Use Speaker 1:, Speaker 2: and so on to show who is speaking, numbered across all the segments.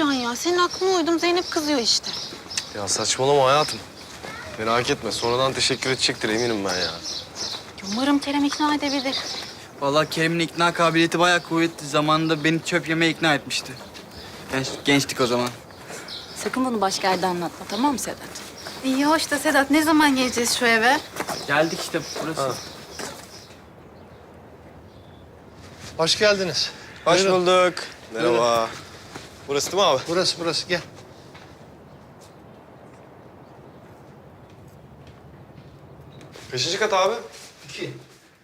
Speaker 1: Can ya? Senin aklına uydum. Zeynep kızıyor işte.
Speaker 2: Ya saçmalama hayatım. Merak etme. Sonradan teşekkür edecektir eminim ben ya.
Speaker 1: Umarım Kerem ikna edebilir.
Speaker 3: Vallahi Kerim'in ikna kabiliyeti bayağı kuvvetli. Zamanında beni çöp yemeye ikna etmişti. Gençtik o zaman.
Speaker 4: Sakın bunu başka yerde anlatma, tamam mı Sedat?
Speaker 1: İyi hoş da Sedat, ne zaman geleceğiz şu eve?
Speaker 3: Geldik işte burası.
Speaker 2: Ha.
Speaker 5: Hoş geldiniz.
Speaker 2: Hoş
Speaker 5: Buyurun.
Speaker 2: bulduk. Merhaba.
Speaker 5: Buyurun.
Speaker 2: Burası değil mi abi?
Speaker 5: Burası gel.
Speaker 2: Kaçıncı kat abi?
Speaker 5: 2.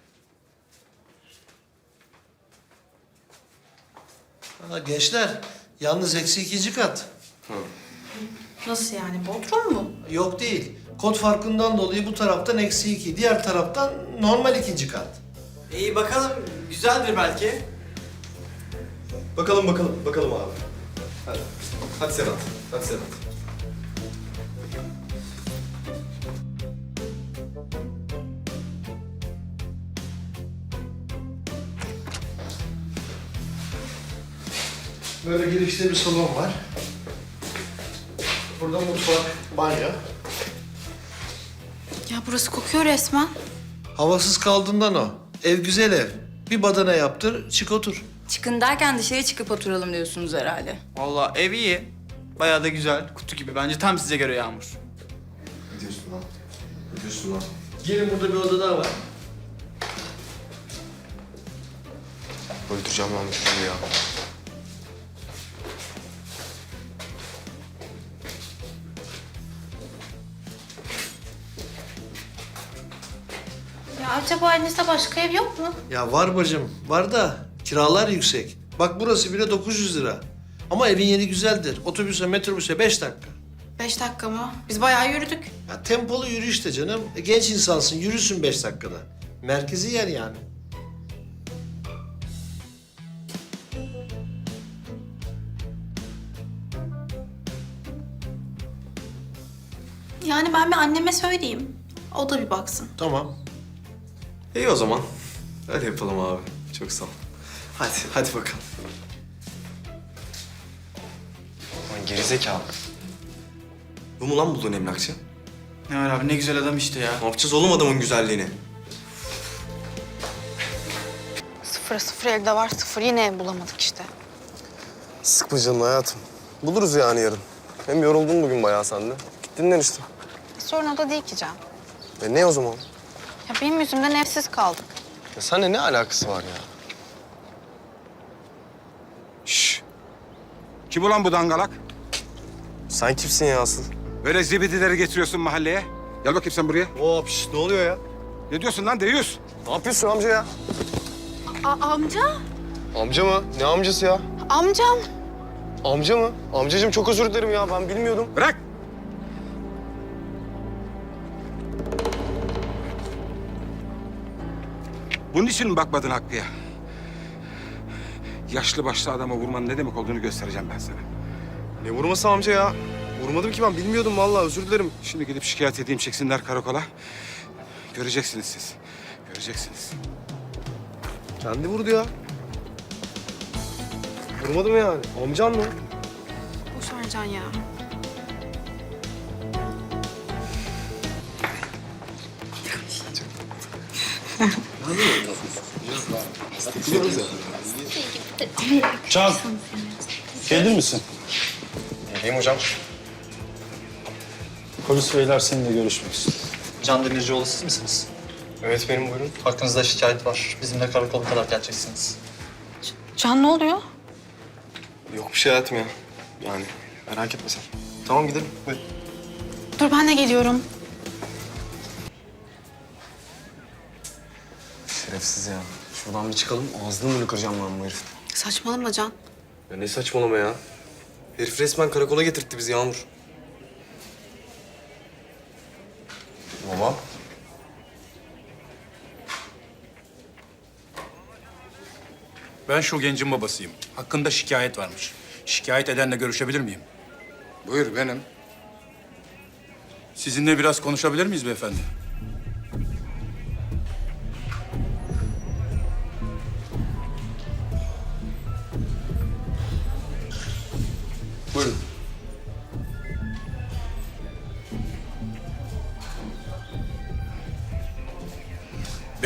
Speaker 5: Gençler, yalnız eksi 2. kat.
Speaker 1: Nasıl yani? Bodrum mu?
Speaker 5: Yok değil. Kod farkından dolayı bu taraftan eksi 2. Diğer taraftan normal 2. kat.
Speaker 3: İyi bakalım, güzeldir belki.
Speaker 2: Bakalım abi. Hadi. Hadi Sedat. Hadi Sedat.
Speaker 5: Böyle girişte bir salon var. Burada mutfak, banyo.
Speaker 1: Ya burası kokuyor resmen.
Speaker 5: Havasız kaldığından o. Ev güzel ev. Bir badana yaptır, çık otur.
Speaker 4: Çıkın derken dışarı çıkıp oturalım diyorsunuz herhalde.
Speaker 3: Vallahi ev iyi. Bayağı da güzel. Kutu gibi. Bence tam size göre Yağmur.
Speaker 2: Ne diyorsun lan? Ne diyorsun lan?
Speaker 5: Gelin burada bir oda daha var.
Speaker 2: Öldüreceğim ben bu çocuğu ya.
Speaker 1: Ya acaba elinizde başka ev yok mu?
Speaker 5: Ya var bacım, var da kiralar yüksek. Bak burası bile 900 lira. Ama evin yeri güzeldir. Otobüse, metrobüse 5 dakika.
Speaker 1: 5 dakika mı? Biz bayağı yürüdük.
Speaker 5: Ya tempolu yürü işte canım. Genç insansın, yürüsün 5 dakikada. Merkezi yer yani.
Speaker 1: Yani ben bir anneme söyleyeyim. O da bir baksın.
Speaker 5: Tamam.
Speaker 2: İyi o zaman. Öyle yapalım abi. Çok sağ ol. Hadi bakalım. Lan gerizekalı. Bu mu lan bulduğun emlakçı?
Speaker 3: Ne var abi, ne güzel adam işte ya.
Speaker 2: Ne yapacağız oğlum adamın güzelliğini?
Speaker 1: Sıfır evde var, sıfır yine ev bulamadık işte.
Speaker 2: Sıkma canını hayatım. Buluruz yani yarın. Hem yoruldun bugün bayağı sen de. Git dinlen işte.
Speaker 1: Sorun o da değil ki Can.
Speaker 2: Ne o zaman?
Speaker 1: Ya benim yüzümden evsiz kaldık.
Speaker 2: Ya seninle ne alakası var ya?
Speaker 6: Şşş! Kim ulan bu dangalak?
Speaker 2: Sen kimsin ya asıl?
Speaker 6: Böyle zibidileri getiriyorsun mahalleye. Gel bakayım sen buraya.
Speaker 2: Hop ne oluyor ya?
Speaker 6: Ne diyorsun lan deyus?
Speaker 2: Ne yapıyorsun amca ya?
Speaker 1: Amca?
Speaker 2: Amca mı? Ne amcası ya?
Speaker 1: Amcam.
Speaker 2: Amca mı? Amcacığım çok özür dilerim ya ben bilmiyordum.
Speaker 6: Bırak! Bunun için mi bakmadın Hakkı'ya? Yaşlı başlı adama vurmanın ne demek olduğunu göstereceğim ben sana.
Speaker 2: Ne vurması amca ya? Vurmadım ki ben bilmiyordum vallahi özür dilerim.
Speaker 6: Şimdi gidip şikayet edeyim, çeksinler karakola. Göreceksiniz siz. Göreceksiniz.
Speaker 2: Kendi vurdu ya. Vurmadım yani. Amcan mı?
Speaker 1: Boş ver Can ya.
Speaker 7: Can, gelir misin?
Speaker 2: Geleyim hocam.
Speaker 7: Polis beyler seninle görüşmek istiyor.
Speaker 8: Can Demircioğlu siz misiniz?
Speaker 2: Evet benim buyurun.
Speaker 8: Hakkınızda şikayet var. Bizimle karakola kadar geleceksiniz.
Speaker 1: Can ne oluyor?
Speaker 2: Yok bir şey hayatım ya. Yani merak etme sen. Tamam gidelim. Buyur.
Speaker 1: Dur ben de geliyorum.
Speaker 2: Şerefsiz ya. Şuradan bir çıkalım. Ağzını mı kıracağım ben bu herif?
Speaker 1: Saçmalama Can.
Speaker 2: Ya ne saçmalama ya. Herif resmen karakola getirtti bizi Yağmur. Baba.
Speaker 7: Ben şu gencin babasıyım. Hakkında şikayet varmış. Şikayet edenle görüşebilir miyim?
Speaker 6: Buyur benim.
Speaker 7: Sizinle biraz konuşabilir miyiz beyefendi?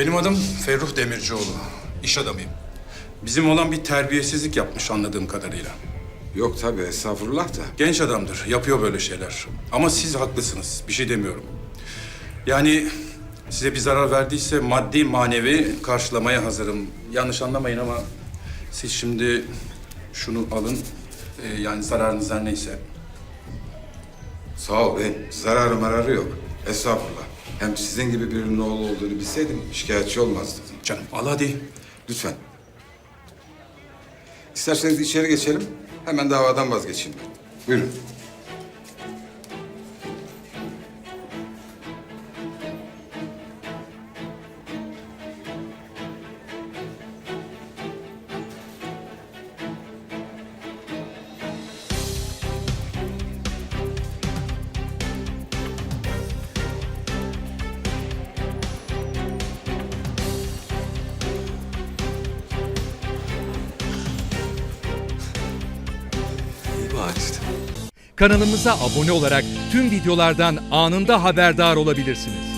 Speaker 7: Benim adım Ferruh Demircioğlu. İş adamıyım. Bizim olan bir terbiyesizlik yapmış anladığım kadarıyla.
Speaker 6: Yok tabii estağfurullah da.
Speaker 7: Genç adamdır, yapıyor böyle şeyler. Ama siz haklısınız, bir şey demiyorum. Yani size bir zarar verdiyse maddi manevi karşılamaya hazırım. Yanlış anlamayın ama siz şimdi şunu alın. Yani zararınız her neyse.
Speaker 6: Sağ ol bey. Zararı mararı yok. Estağfurullah. Hem sizin gibi birinin oğlu olduğunu bilseydim şikayetçi olmazdım.
Speaker 7: Canım al hadi.
Speaker 6: Lütfen. İsterseniz içeri geçelim. Hemen davadan vazgeçeyim ben. Buyurun.
Speaker 2: İyi bari işte.
Speaker 9: Kanalımıza abone olarak tüm videolardan anında haberdar olabilirsiniz.